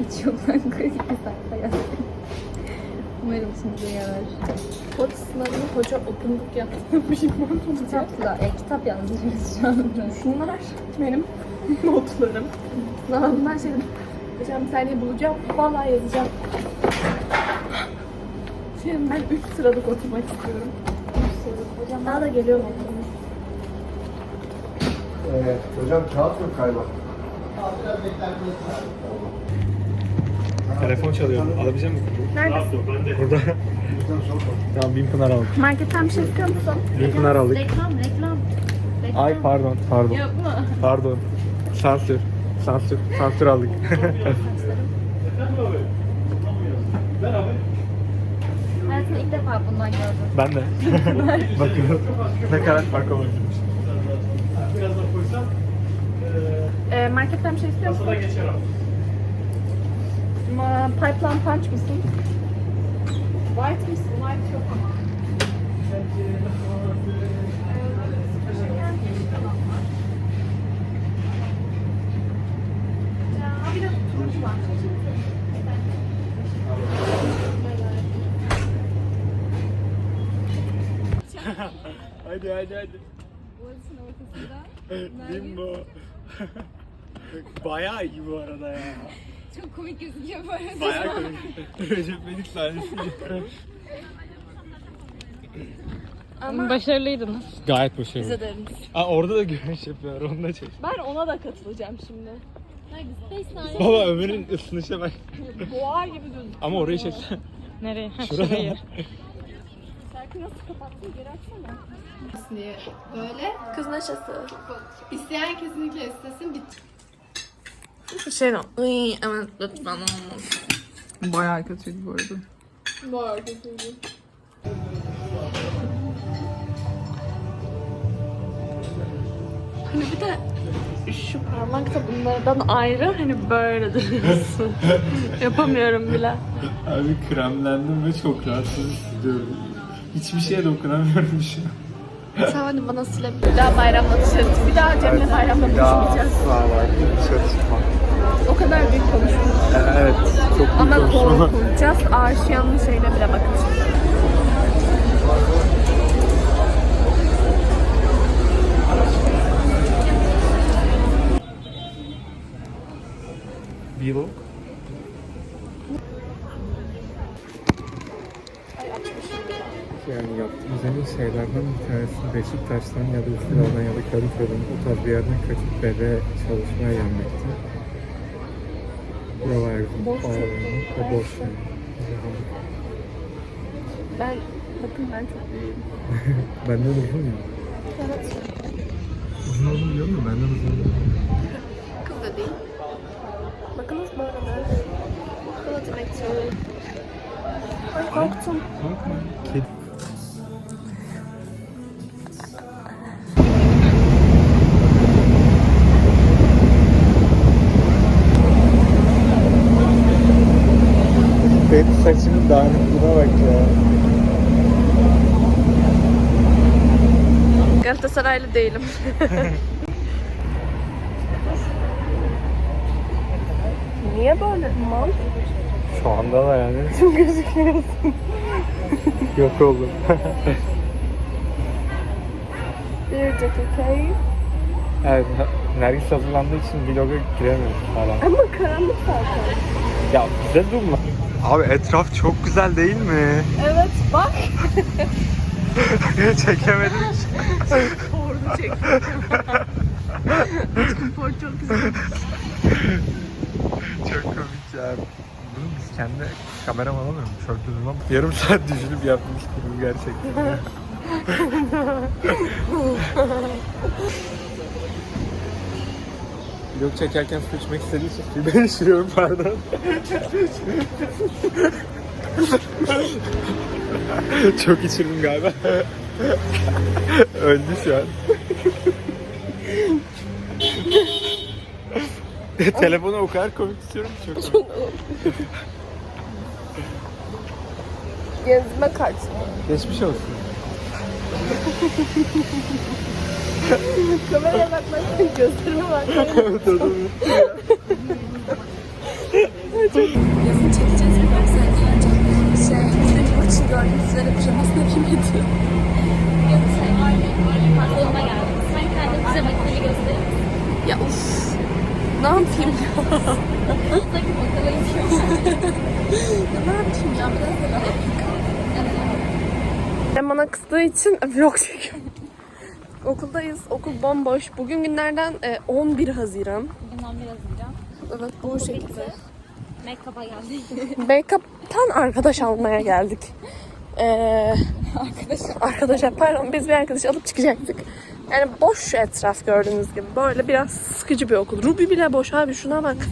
Hiç yoktan 42 sayfa yazdım. Umarım işinize yarar. Kod sınavını hoca okunduk yaptırmışım. Kitapla, kitap yazdırıyoruz şu anda. Şunlar benim notlarım. Sınavından şey dedim. Hocam bir saniye bulacağım. Vallahi yazacağım. Şimdi ben 3 sıralık oturmak istiyorum. 3 sıralık. Hocam daha da geliyor notlarım. Evet, hocam kağıt yok galiba. Telefon çalıyor. Alabilecek misin? Neredesin? Burada. Tamam 1000 pınar aldık. Marketten bir şey istiyor musun? 1000 pınar aldık. Reklam. Ay pardon. Yapma. Pardon. Sansür aldık. Hayatımda ilk defa bundan gördüm. Ben de. Bakıyorum. Ne kadar fark olmuş. Marketten bir şey istiyor musun? Pipeline punch mısın? White misin? White yok ama. Bir de turuncu var. Hadi. Boğazın ortasında. Limbo. Bayağı iyi bu arada ya. Çok komik gözüküyor bu arada. Bayağı komik. Recep İvedik sahnesi. Ama Başarılıydınız. Gayet başarılı. bize deriniz. Aa, orada da güneş yapıyor. Onu da çek. Ben ona da katılacağım şimdi. Baba Ömer'in ısınışa bak. Boğar gibi gözüküyor. Ama orayı çeksen. Nereye? Ha, Şuraya. Şarkı nasıl kapattın? Geri açsana. diye böyle. Kız neşesi. İsteyen kesinlikle istesin. Şey evet lütfen olmaz. Bayağı kötüydü bu arada. Var kötüydü. Hani bir de şu parmak da bunlardan ayrı hani böyle duruyorsun. Yapamıyorum bile. Abi kremlendim ve çok rahatsız hissediyorum. Hiçbir şeye dokunamıyorum şu an. Sen hani bana silebilir. Bir daha bayramla dışarı çık. Bir daha Cem'le bayramla buluşmayacağız. Sağ var. Dışarı çıkma. O kadar büyük konuşmuyoruz. Evet. Çok büyük Ama konuşma. korkunacağız. Aşiyanın şeyine bile bakın şimdi. Vlog. Yani yaptığımız en iyi şeylerden bir tanesi Beşiktaş'tan ya da Üsküdar'dan ya da Kadıköy'den o tarz bir yerden kaçıp BB çalışmaya gelmekti. Buralar Boş ve boş yani. Ben çok büyüğüm. Benden uzun ya. Evet. Uzun olduğunu biliyor musun? Benden uzun. Kız da değil. Bakınız böyle ben. Kız demek istiyorum. Ay korktum. Korkma. Kedi. Benim saçımın dağınıklığına bak ya. Galatasaraylı değilim. Niye böyle mal? Şu anda da yani. Çok gözüküyorsun. Yok oldum. Diyecek okay. Evet, Nergis hazırlandığı için vloga giremiyoruz hala. Ama karanlık zaten. Ya bize durma. Abi etraf çok güzel değil mi? Evet bak. Çekemedim. Porno çekiyorum. Spor çok güzel. Çok komik ya. Bunu biz kendi kameram alamıyor muyum? Çok durmam. Yarım saat düşünüp yapmıştım bu gerçekten. Vlog çekerken su içmek istediği için suyu ben içiyorum pardon. Çok içirdim galiba. Öldü şu an. Telefonu o kadar komik istiyorum ki çok komik. Genzime kaçtı. Geçmiş olsun. Kameraya bakmak, gözlerime bakmak. Yazın çekeceğiz bir bak sen direkt maçı gördüğünüz üzere pijamasına giymedi. Pantolonuma geldim. Sen kendi pijama giydiğini gösterir misin? Ya uf. Ne yapayım ya? Sanki bakkala gidiyor. Ne yapayım ya biraz da Ben bana kıstığı için vlog çekiyorum. Okuldayız. Okul bomboş. Bugün günlerden 11 Haziran. Bundan biraz alacağım. Evet bu şekilde. Make-up'a geldik. Make-up'tan arkadaş almaya geldik. Arkadaşlar pardon biz bir arkadaş alıp çıkacaktık. Yani boş etraf gördüğünüz gibi. Böyle biraz sıkıcı bir okul. Ruby bile boş abi şuna bak.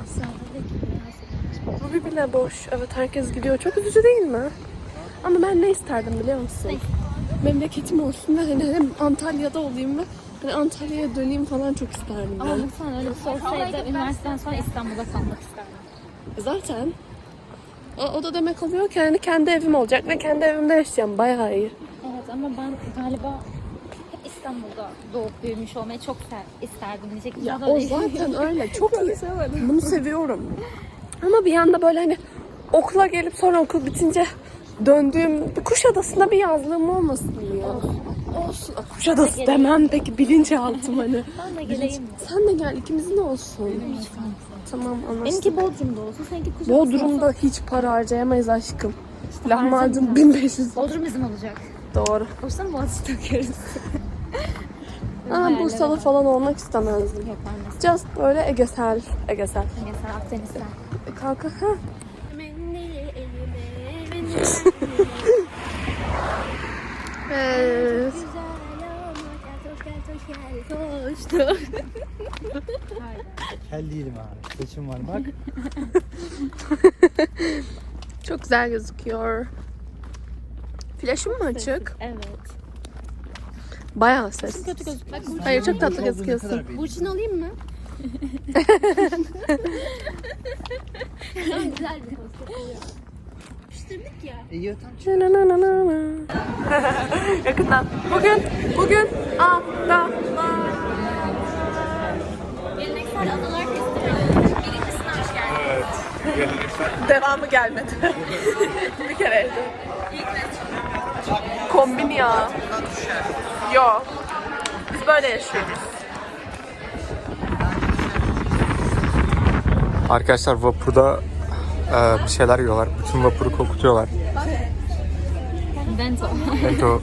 Ruby bile boş. Evet herkes gidiyor. Çok üzücü değil mi? Ama ben ne isterdim biliyor musun? Memleketim olsun ve hani hem Antalya'da olayım ve hani Antalya'ya döneyim falan çok isterdim ben. Ama lütfen öyle bir sorsaydı üniversiteden sonra İstanbul'da kalmak isterdim. Zaten o da demek oluyor ki yani kendi evim olacak ve kendi evimde yaşayacağım. Bayağı iyi. Evet ama ben galiba hep İstanbul'da doğup büyümüş olmayı çok isterdim diyecektim. Ya da o değil. zaten öyle. Çok iyi. Bunu seviyorum. Ama bir yanda böyle hani okula gelip sonra okul bitince döndüğüm bir Kuşadası'nda bir yazlığım olmasın ya. Olsun. Kuşadası demem peki bilinçaltım hani. Ben de geleyim mi? Sen de gel ikimizin olsun. Tamam anlaştık. Benimki Bodrum'da olsun, seninki Kuşadası. Bodrum'da hiç para harcayamayız aşkım. Lahmacun 1500. Bodrum bizim olacak. Doğru. Bursa mı Boğaziçi takıyoruz? Ama Bursalı falan olmak istemezdim. Yok ben de. Just böyle egesel. Mesela Akdeniz'den. Kanka ha. Evet. Kel değilim abi. Saçım var bak. Çok güzel gözüküyor. Flaşım mı açık? Evet. Bayağı ses. Kötü gözüküyor. Hayır çok tatlı gözüküyorsun. Burçin alayım mı? Güzel bir İyi tam Yakından. Bugün ada. geleneksel adalar festivali. Birincisine hoş geldin. Devamı gelmedi. Bir kere. Kombin ya. Yo. Biz böyle yaşıyoruz. Arkadaşlar vapurda bir şeyler yiyorlar. Bütün vapuru kokutuyorlar. Bento. Bento.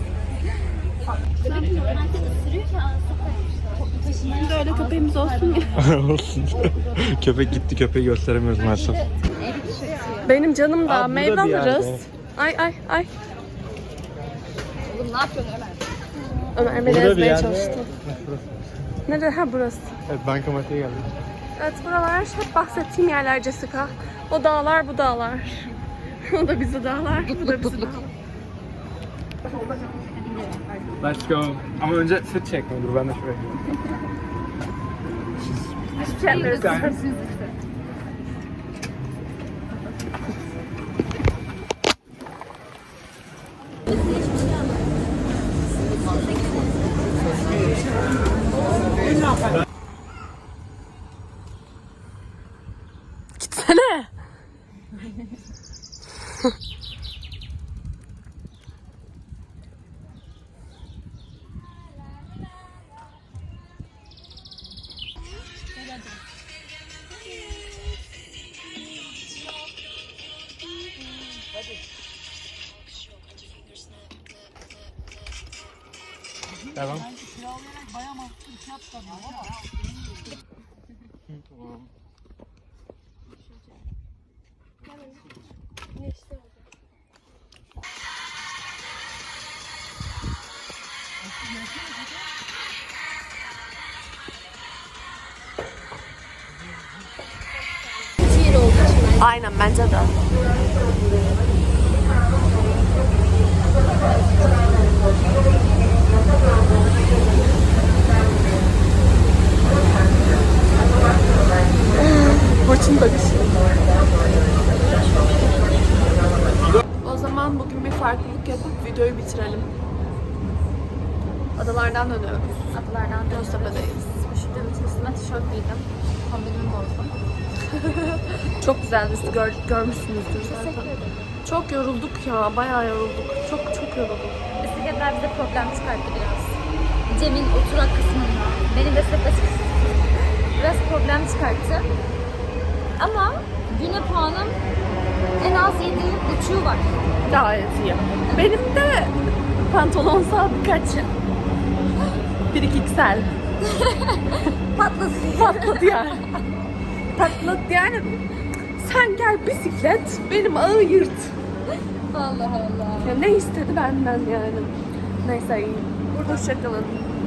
Şimdi öyle köpeğimiz olsun ya. Olsun. Köpek gitti, köpeği gösteremiyoruz maalesef. Benim canım da Aa, burada meyve bir alırız. yerde. Ay. Oğlum ne yapıyorsun Ömer? Ömer beni Burada bir ezmeye yerde. çalıştı. Nerede? Ha burası. Evet, bankamatiğe geldik. Evet buralar hep bahsettiğim yerler Jessica. O dağlar bu dağlar. O da bizi dağlar. Bu da bizi dağlar. Let's go. Ama önce süt çekme. Dur ben de şuraya gideyim. Hiçbir şey yapmıyoruz. Gitsene. Devam. Aynen bence de. Burçin bakışı. O zaman bugün bir farklılık yapıp videoyu bitirelim. Adalardan dönüyoruz. Adalardan dönüyoruz. Göztepe'deyiz. Üşüdüğüm için üstüme tişört giydim. Kombinimi bozdum. Çok güzeldi. Görmüşsünüzdür zaten. Teşekkür ederim. Çok yorulduk ya. Bayağı yorulduk. Çok yorulduk. Bisikletler bize problem çıkarttı biraz. Cem'in oturak kısmında. Benim bisikletle biraz problem çıkarttı. Ama güne puanım en az 7,5 var. Gayet iyi. Benim de pantolonsal birkaç 1-2 XL patladı yani. Patladı yani. Sen gel bisiklet, benim ağı yırt. Allah Allah. Ya ne istedi benden yani. Neyse iyi. Hoşçakalın.